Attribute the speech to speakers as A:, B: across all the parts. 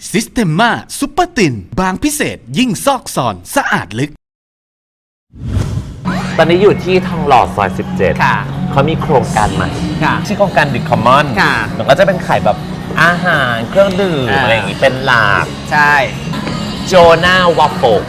A: ซิสเ e ม a ซุปเปอร์ตินบางพิเศษยิ่งซอกซอนสะอาดลึก
B: ตอนนี้อยู่ที่ทองหล่อซอย17
C: ค่ะ
B: เขามีโครงการใหม่
C: ค่ะ
B: ชื่อโครงการดิคอมมอน
C: ค่ะ
B: มันก็จะเป็นขายแบบอาหารเครื่องดื่มอะไรอย่างงี้เป็นหลัก
C: ใช่
B: โจนาวัฟเฟิล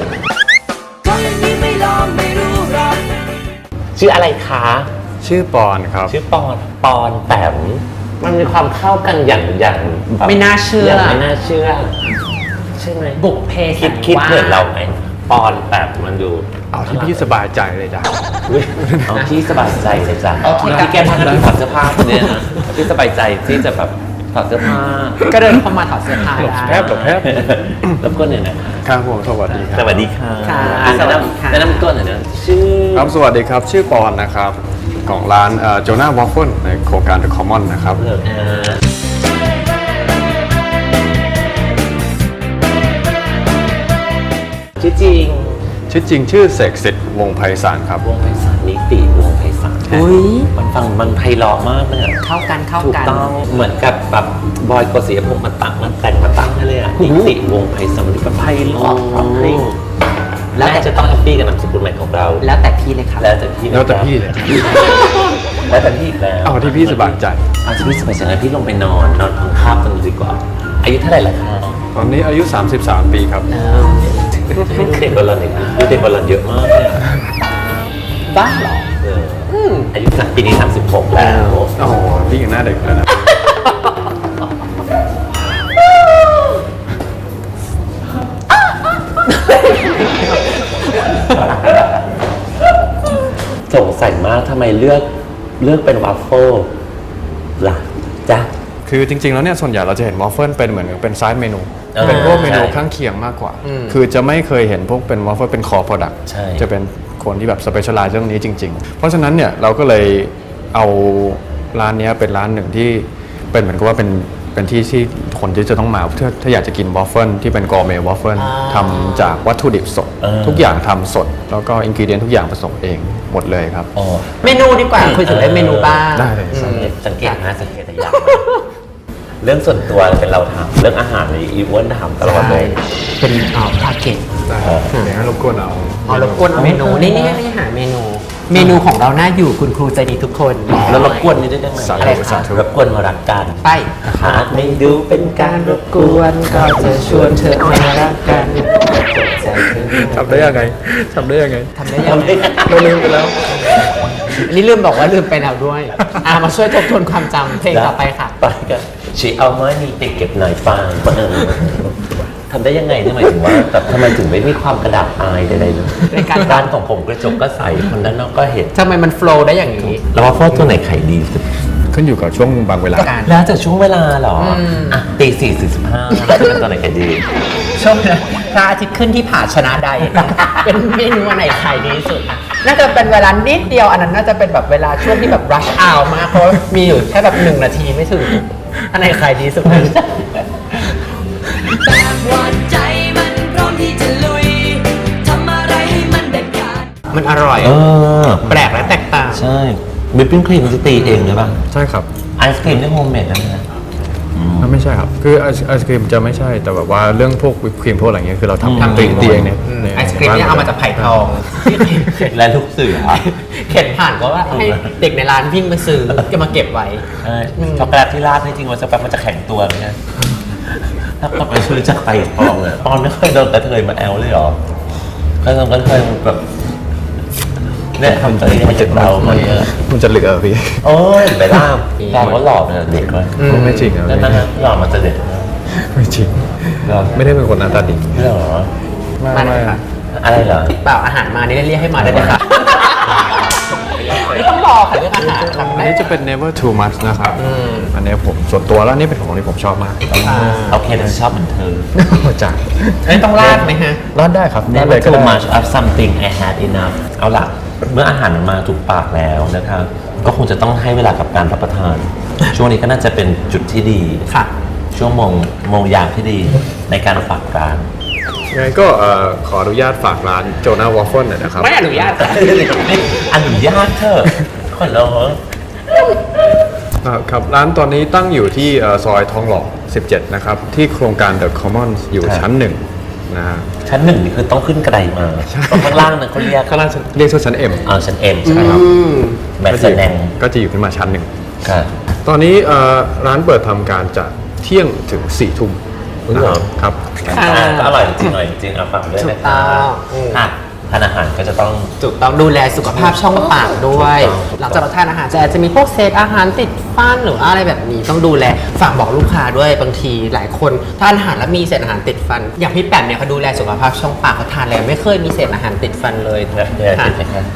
B: ชื่ออะไรคะ
D: ชื่อปอนครับ
B: ชื่อปอนแปมมันมีความเข้ากันอย่างแบบ
C: ไม่น่าเชื่อ
B: ไม่น่าเชื่อใช่ไหม
C: บุกเพสัน
B: คิด
C: วาส
B: เหมือนเราไหมปอนแปมมันดู
D: เอาที่พี่สบายใจเลยจ้ะ
B: อุ๊ยเอาที่สบายใจเลยจ้ะ
C: โอเค
B: ที่แกพากันถอดเสื้อผ้าเนี่ยนะที่สบายใจที่จะแบบถอดเสื้อผ้า
C: ก็เดินเข้ามาถอดเสื้อผ้า
D: หลบแทบ
B: แล้วก็เนี่ยนะ
D: ครับผมสวัสดีค
B: ส
D: รับ
B: วัสดีค่ะ
C: ค่ะ
B: แนะนำแนะนำตัวหน่อยนะชื่อ
D: ครับสวัสดีครับชื่อปอนนะครับของร้านโจนาวอฟเฟิลในโครงการ The Common นะครับ
B: ชื่อจริง
D: ชื่อจริงชื่อเสกสิทธิ์วงศ์ไพศาลครับ
B: วงไพศาลนิติวงไพศาล
C: อุ้ย
B: มันฟังมันไพเราะมากเลยอะ
C: เข้ากัน
B: ถูกต้องเหมือนกับแบบบอยโกศิยพงษ์มาแต่งมาตั้งให้เลยอ่ะนิติวงไพศาลมันก็ไพเราะเพราะให้แล้วจะต้องแฮปปี้กับนามสกุลใหม่ของเรา
C: แล้วแต่พี่เลยครับ
B: แล้วแต่พี่
D: แล้วแต่พี่เลย
B: แล้วแต่พี่อีกแล้ว
D: เอาที่พี่สบายใจ
B: เอาที่พี่สบายใจแล้วพี่ลงไปนอนพังคาบกันดีกว่า อายุเท่าไหร่ล่ะคะ
D: ตอนนี้อายุ 33 ปีครับ
B: เด็กกว่าเราเนี่ยเด็กกว่าเราเยอะมากเลยอะ
C: บ้าเหรอ
B: อายุปีนี้36แล้ว
D: โอ้โหพี่ยังหน้าเด็กเลยนะ
B: สงสัยมากทำไมเลือกเป็นวัฟเฟิลล่ะจ๊ะ
D: คือจริงๆแล้วเนี่ยส่วนใหญ่เราจะเห็นวอฟเฟิลเป็นเหมือนเป็นไซด์เมนู
B: เออ
D: เป็นพวกเมนู
B: ใช่
D: ข้างเคียงมากกว่า คือจะไม่เคยเห็นพวกเป็นวอฟเฟิลเป็นคอโปรดักต์
B: ใช่
D: จะเป็นคนที่แบบสเปเชียลไลซ์เรื่องนี้จริงๆ เพราะฉะนั้นเนี่ยเราก็เลยเอาร้านเนี้ยเป็นร้านหนึ่งที่เป็นเหมือนกับว่าเป็นที่คนที่จะต้องมาถ้าอยากจะกินวอฟเฟิลที่เป็นกอร์เมต์วอฟเฟิลทำจากวัตถุดิบสด ทุกอย่างทำสด แล้วก็อินกิเดียนทุกอย่างผสมเองหมดเลยครับ
B: อ๋อ
C: เมนูดีกว่าคุยถึงเรื่องเมนูบ้าง
D: ได้เลย
B: สังเกตแต่อย่างเรื่องส่วนตัวเป็นเราถามเรื่องอาหารในอีเวนต์ถามตลอดเลย
C: เป็นพาเกต
D: ได้เดี๋ยวให้รบกวนเอา
C: รบกวนเอาเมนูนี่หาเมนู เมนูของเราน่าอยู่คุณครูใจดีทุกคน
B: แล้วรบกวนนี้ได้ไหม
D: สา
C: อะไร
D: ธุ
C: คะ
D: สาธุ
B: รบกวนมารักกัน
C: ไป
B: หากไม่ดูเป็นการรบกวนก็จะชวนเธอมารักกัน
D: ทำได้ยังไงทำได้ยังไง
C: ทำได้ยังไง
D: เราลืมไปแล้ว
C: อันนี้ลืมบอกว่าลืมไปแล้วด้วยมาช่วยทบทวนความจำเพลงต่อไปค่ะ
B: ไปกันชีเอาไม้นี่ไปเก็บหน่อยฟางทำได้ยังไงนี่หมายถึงว่าแบบทำไมถึงไม่มีความกระดาษอายใดๆเลย
C: ในการ
B: ร้านของผมกระจกก็ใสคนด้านนอกก็เห็น
C: ทำไมมันโฟล์ได้อย่างนี้
B: แล้วว่าฟอตัวไหนขายดีสุด
D: ขึ้นอยู่กับช่วงบางเวลา
C: การ
B: แล้วแต่ช่วงเวลาเหรออ่ะตี4:45แล้วจะเป็นตัวไหนขายดี
C: ช่วงนั้นพระอาทิตย์ขึ้นที่ผาชนะใด เป็นเมนูอันไหนขายดีที่สุดอะน่าจะเป็นเวลานิดเดียวอันนั้นน่าจะเป็นแบบเวลาช่วงที่แบบ rush hour มากเพราะมีอยู่แค่แบบ1 นาทีไม่ถึงอันไหนขายดีสุด
E: แบบว่าใจมันพร้อมที่จะลุย ทำอะไรให้มันเด็ดขาด
C: มันอร่อย แปลกและแตกต่าง
B: ใช่วิปปิ้งครีมจะตีเองหรือเปล่า
D: ใช่ครับ
B: ไอศครีมที่โฮมเมดนั่นนะ
D: ไม่ใช่ครับ คือไอศครีมจะไม่ใช่ แต่แบบว่าเรื่องพวกวิปครีมพวกอะไรเงี้ยคือเราทำตีเองเนี่ย
C: ไอศครีมเนี่ยเอามาจากไผ่ทอง
B: และลูกเสือ
C: เข็นผ่านก็ว่าให้เด็กในร้านวิ่งไปซื้อจะมาเก็บไว้
B: ใช่ช็อกโกแลตที่ราดนี่จริงๆมันจะแป๊บมันจะแข็งตัวไหมเนี่ยถ้ากลับไปซื้อจากไผ่ทองเลยปอนไม่เคยโดนกระเทยมาแอลเลยเหรอก็โดนกระเทยแบบเนี่ยทำตัวเองมาจากเรามาเยอะ
D: มันจะเหลือพี่
B: โอ้ยไปล่ามตอนเขาหล่อเนี่ยเด็กเลย
D: ไม่จริงอ่ะ
B: นั่นนะหล่อมันจะเด็กนะ
D: ไม่จริง
B: หรอ
D: ไม่ได้เป็นคนหน้าตาดี
B: ไม่หรอ
C: มาเลยค่ะ
B: อะไรเหรอ
C: เปล่าอาหารมานี่เรียกให้มาได้เลยค่ะไม่ต้องรอค่ะเรื่องอาหารทำ
D: อัน
C: ได้
D: นี้จะเป็น never too much นะครับ อันนี้ผมส่วนตัวแล้วนี่เป็นของที่ผมชอบมาก
B: โอเคฉันชอบเหมือนเธอ
D: จาก
C: อันนี้ต้องราดไหมฮะ
D: ร้านได้ครับร้าน
B: Never
D: เลยก็
B: too
D: ได้
B: much of something I had enough เอาล่ะ เมื่ออาหารมันมาถูกปากแล้วนะครับ ก็คงจะต้องให้เวลากับการรับประทาน ช่วงนี้ก็น่าจะเป็นจุดที่ดี
C: ค่ะ
B: ช่วงโมงยามที่ดีในการฝากร้าน
D: ยังไงก็ขออนุญาตฝากร้านโจนาวอฟเฟิลหน่อยนะครับ
C: ไม่อนุญาตค่ะ
B: อนุญาตเถอะขอร้อง
D: ครับร้านตอนนี้ตั้งอยู่ที่ซอยทองหล่อ 17นะครับที่โครงการ The Commons อยู่ชั้น1นะฮะ
B: ชั้นหนึ่งนี่คือต้องขึ้นกระไดมาตรงข้างล่างนั้นเขาเรียก
D: ข้างล่างเรียกว่าชั้น M
B: ชั้นเอ็มใช่ครับแมทแสดง
D: ก็จะอยู่ขึ้นมาชั้น1
B: ค่ะ
D: ตอนนี้ร้านเปิดทำการจากเที่ยงถึง4 ทุ่ม ครับ
B: ก็อร่อยจริงๆอร่อยจริงๆเอาฝากด้วยนะ
C: ถูกต้อง
B: ค่ะทานอาหารก็จะต้อง
C: ถูกต้องดูแลสุขภาพช่องปากด้วย
B: ถูกต้อง
C: หลังจากเราทานอาหารจะมีพวกเศษอาหารติดฟันหรืออะไรแบบนี้ต้องดูแลฝากบอกลูกค้าด้วยบางทีหลายคนทานอาหารแล้วมีเศษอาหารติดฟัน อย่างพี่แปมเนี่ยเขาดูแลสุขภาพช่องปากเขาทานแล้วไม่เคยมีเศษอาหารติดฟันเลย
B: เนี่ยติดไหมครับ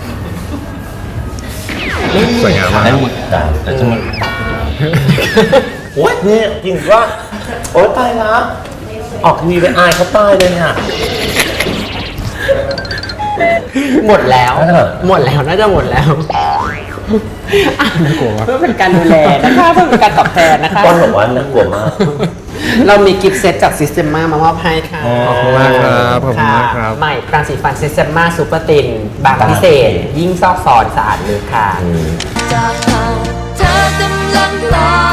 D: สวยงามมาก
B: นั่นหมดจ้าแต่จะหมดโอ๊ยเนี่ยจริงว่าโอ๊ยตายละออกทีวีไปอายเขาตายเลยเนี่ย
C: หมดแล้ว
B: น่าจะ
C: หมดแล้วน่าจะหมดแล้วเพื่อเป็นการดูแลนะคะเพื่อเป็นการตอบแทนนะคะ
B: ป้อนบอกว่าน่ากลัวมาก
C: เรามีกิฟต์เซตจาก Systema มามอบให้ค่ะ
D: ขอบคุณมากครับขอบคุณมากครับ
C: ใหม่แปรงสีฟัน Systema Super Thin บางพิเศษ ยิ่งซอกซอนสะอาดลึกค่ะ
E: จากเราเธอกำลังลอย